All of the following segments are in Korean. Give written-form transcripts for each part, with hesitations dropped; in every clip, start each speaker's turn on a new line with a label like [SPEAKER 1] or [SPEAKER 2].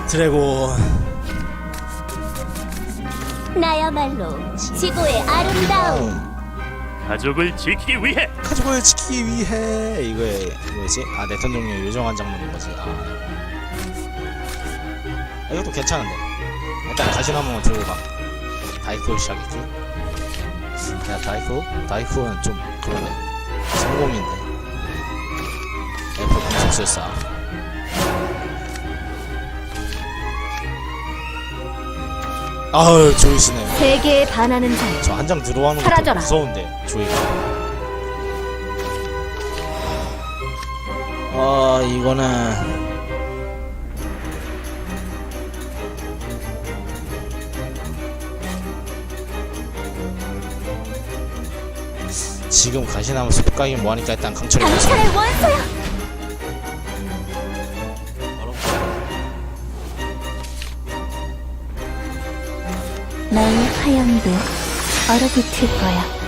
[SPEAKER 1] 드래곤.
[SPEAKER 2] 나야말로 지구의 아름다움.
[SPEAKER 3] 가족을 지키기 위해
[SPEAKER 1] 가족을 지키기 위해. 이거에 뭐지? 아, 내턴 종류 요정한 장르인 거지. 이것도 괜찮은데. 일단 가시나무만 들고 가. 다이쿠를 시작했지. 야, 다이쿠는 좀 그러네. 성공인데. 애플 공속술사. 아우, 조이시네.
[SPEAKER 2] 세계에 반하는 자여,
[SPEAKER 1] 저 한 장 들어가는 것도
[SPEAKER 2] 사라져라.
[SPEAKER 1] 무서운데, 조이가. 이거는 지금 가시나무 숲가기 뭐하니까 일단 강철이 무서워.
[SPEAKER 2] 강철의 원소야. 너의 화염도 얼어붙을 거야.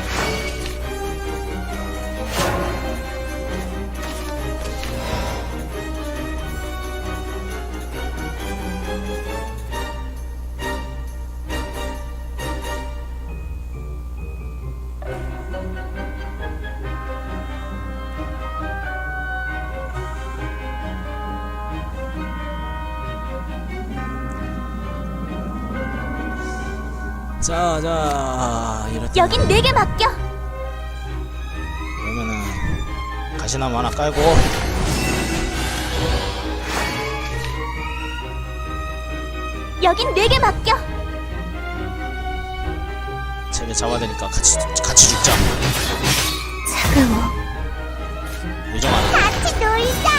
[SPEAKER 1] 자, 이렇게
[SPEAKER 2] 여긴 내게 맡겨.
[SPEAKER 1] 그러면은 가시나무 하나 깔고
[SPEAKER 2] 여긴 내게 맡겨.
[SPEAKER 1] 쟤네 잡아야 되니까 같이 죽자.
[SPEAKER 2] 차가워.
[SPEAKER 1] 요정 하나.
[SPEAKER 2] 같이 놀자.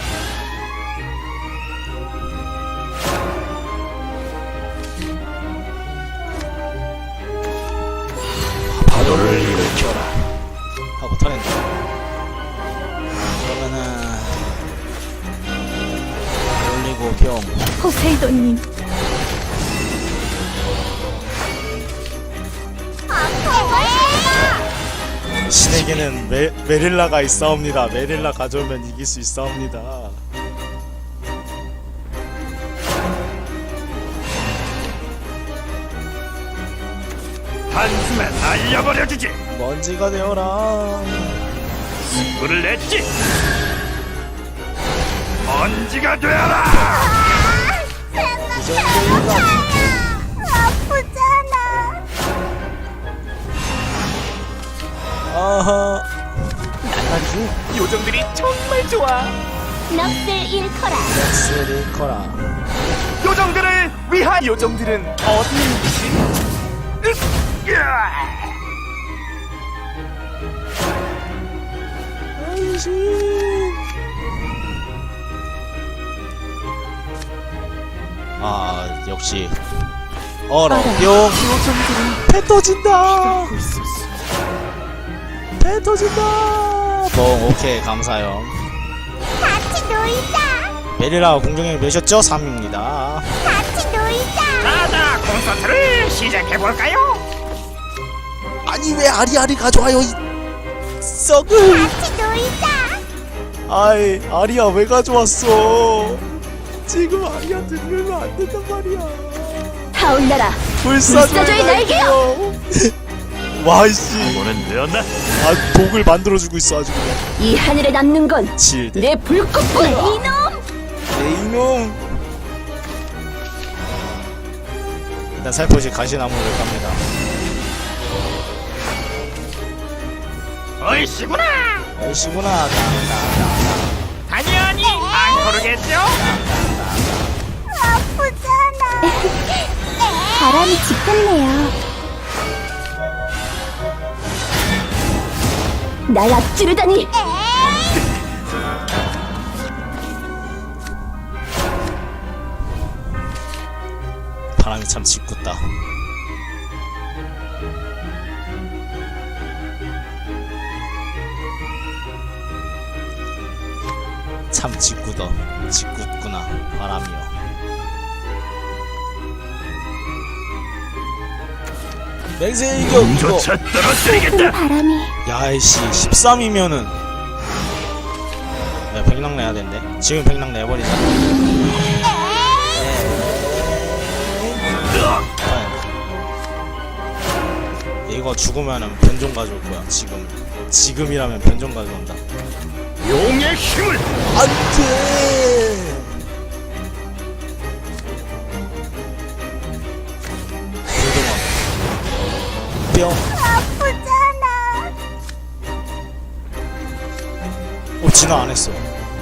[SPEAKER 3] 파도를 일으켜라.
[SPEAKER 1] 하고 터낸다. 그러면은 올리고 병.
[SPEAKER 2] 포세이돈님.
[SPEAKER 1] 신에게는 메릴라가 있사옵니다. 메릴라 가져오면 이길 수 있사옵니다.
[SPEAKER 3] 한숨에 날려버려주지.
[SPEAKER 1] 먼지가 되어라.
[SPEAKER 3] 승부를 냈지. 먼지가 되어라.
[SPEAKER 1] 이 정도인가?
[SPEAKER 2] 아프잖아.
[SPEAKER 1] 아하.
[SPEAKER 3] 난말이지. 요정들이 정말 좋아.
[SPEAKER 2] 넋을 잃거라.
[SPEAKER 1] 넥스를 커라.
[SPEAKER 3] 요정들을 위한 요정들은 어디 있지?
[SPEAKER 1] 안심. 역시 뿅. 배 터진다. 배 터진다. 오케이, 감사요.
[SPEAKER 2] 같이 놀자.
[SPEAKER 1] 메릴라 공격력 몇이었죠? 3입니다.
[SPEAKER 2] 같이 놀자.
[SPEAKER 3] 자자, 콘서트를 시작해볼까요?
[SPEAKER 1] 아니, 왜 아리아리 가져와요, 이 썩을.
[SPEAKER 2] 같이 놀자.
[SPEAKER 1] 아이, 아리아 왜 가져왔어? 지금 아리아 들으면 안 된단 말이야.
[SPEAKER 2] 타올라라.
[SPEAKER 1] 불사조의
[SPEAKER 2] 날개요.
[SPEAKER 1] 와이씨.
[SPEAKER 3] 오는 되었나?
[SPEAKER 1] 독을 만들어주고 있어, 아주 그냥.
[SPEAKER 2] 이 하늘에 남는 건 내
[SPEAKER 1] 7대
[SPEAKER 2] 불꽃뿐. 이놈.
[SPEAKER 1] 네, 이놈. 일단 살포시 가시나무를 갑니다.
[SPEAKER 3] 어이씨구나.
[SPEAKER 1] 얼씨구나.
[SPEAKER 3] 당연히 안 고르겠죠?
[SPEAKER 2] 아프잖아. 바람이 짙었네요. 날 앞지르다니.
[SPEAKER 1] 바람이 참 짓궂다. 참 짓궂구나 바람이여. 맹세 이겨 이거.
[SPEAKER 3] 조차 떨어뜨리겠다.
[SPEAKER 2] 바람이.
[SPEAKER 1] 야이씨 13이면은 백랑 내야 된대. 지금 백랑 내버리자. 이거 죽으면은 변종 가져올 거야. 지금이라면 변종 가져온다.
[SPEAKER 3] 용의 힘을.
[SPEAKER 1] 안돼. 뿅.
[SPEAKER 2] 아프잖아.
[SPEAKER 1] 진화 안 했어.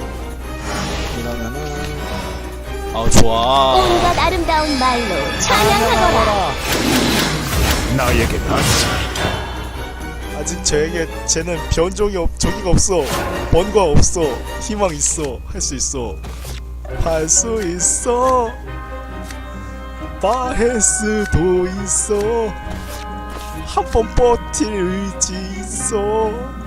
[SPEAKER 1] 이러면은 좋아.
[SPEAKER 2] 온갖 아름다운 말로 찬양하거라.
[SPEAKER 3] 나에게 다시.
[SPEAKER 1] 아직 쟤는 변종이 저기가 없어. 번과 없어. 희망 있어. 할 수 있어. 할 수 있어. 바헤스도 있어. 한 번 버틸 의지 있어.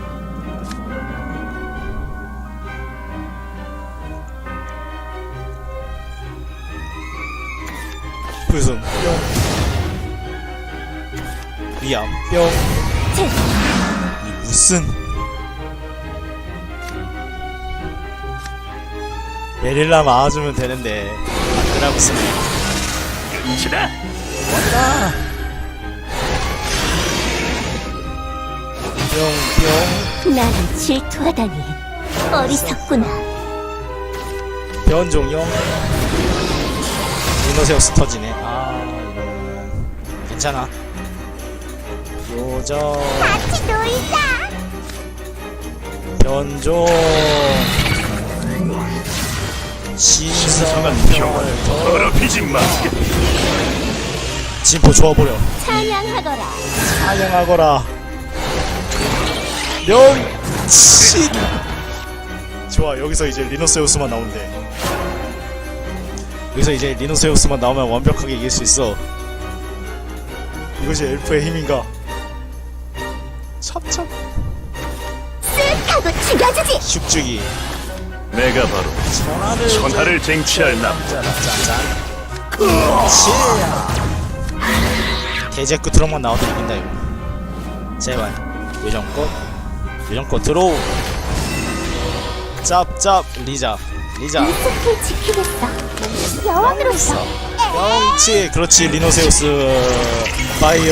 [SPEAKER 1] 불순 뿅. 위암 뿅. 이 무슨 메릴라 막아주면 되는데 안되라고 쓰네.
[SPEAKER 3] 끝이다.
[SPEAKER 1] 뿅뿅.
[SPEAKER 2] 나를 질투하다니 어리석구나.
[SPEAKER 1] 변종용. 디노세우스 터지네. 이거는 괜찮아. 요정.
[SPEAKER 2] 같이 놀자.
[SPEAKER 1] 변종.
[SPEAKER 3] 신성한 평화를
[SPEAKER 1] 신성을
[SPEAKER 3] 더럽히지 마.
[SPEAKER 1] 진포 줘버려.
[SPEAKER 2] 찬양하거라.
[SPEAKER 1] 찬양하거라. 명치. 좋아. 여기서 이제 리노세우스만 나온대. 여기서 이제 리노세우스만 나오면 완벽하게 이길 수 있어. 이것이 엘프의 힘인가? 참참.
[SPEAKER 2] 쓱 하고 죽여주지.
[SPEAKER 1] 슉죽이
[SPEAKER 3] 내가 바로 천하를 쟁취할 남자다.
[SPEAKER 1] 짠짠. 그렇지. 대제 끝으로만 나와도 이긴다 이거. 제발. 요정꽃 들어오. 짭짭. 리자.
[SPEAKER 2] 이 숲을 지키겠어. 여왕으로서.
[SPEAKER 1] 그렇지. 그렇지. 리노세우스 파이어.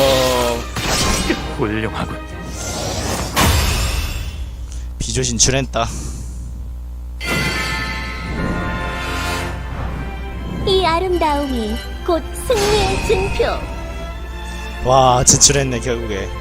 [SPEAKER 3] 훌륭하군.
[SPEAKER 1] 비조 진출했다.
[SPEAKER 2] 이 아름다움이 곧 승리의 증표.
[SPEAKER 1] 와 진출했네 결국에.